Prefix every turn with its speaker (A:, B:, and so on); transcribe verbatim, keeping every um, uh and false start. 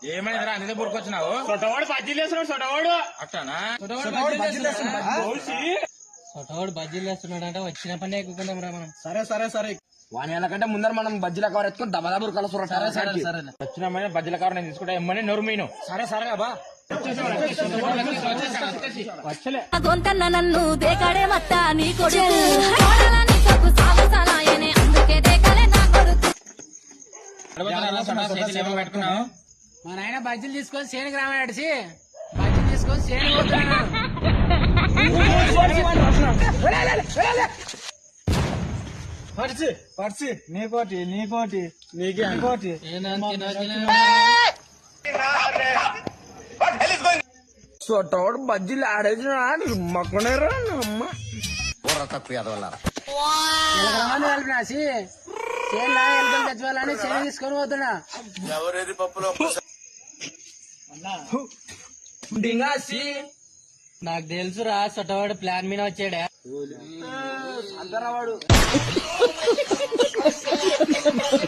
A: ఏమైందిరా అన్ని బుర్కొచ్చినావు?
B: సొటవాడు బజ్జీలు వేస్తున్నాడు. సొటవాడు
A: అట్టానా?
C: సొటవాడు బజ్జీలు వేస్తున్నాడు అంటే వచ్చిన పని ఎక్కుకుందాం రా మనం.
B: సరే సరే సరే వాని వెళ్ళకంటే ముందర మనం బజ్జీల కవర్ ఎత్తుకొని దబదబురు కలుసు. సరే సరే సరే
A: వచ్చిన బజ్జీల కవర్ నేను తీసుకుంటా. ఎమ్మని నోరు మీను.
B: సరే సరే అబ్బా
A: వచ్చలే
D: గొంతన్న నన్ను దేకాడే మత్త నీ కొడుకు నీకు సాగసాలాయనే అందుకే దేకాలే నా కొడుకు.
A: పెట్టుకున్నావు?
C: మా నాయన బజ్జీలు తీసుకొని సేనికి రామడిసి బజ్జీలు తీసుకొని సేని పోతున్నాడు.
B: పర్చి పర్చి నీకోటి నీకోటి నీకే నీకోటి
E: సొట్టవాడు బజ్జీలు ఆడేసిన మక్కునేరా అమ్మ తక్కువ
C: కలిపినాసి సేన్లా ఎలుకలు తెచ్చుకోవాలని సేన తీసుకొని పోతున్నా.
E: ఎవరేది పప్పులో
C: డింగాసి నాకు తెలుసురా సొట్టవాడు ప్లాన్ మీద వచ్చాడా.
E: అందరవాడు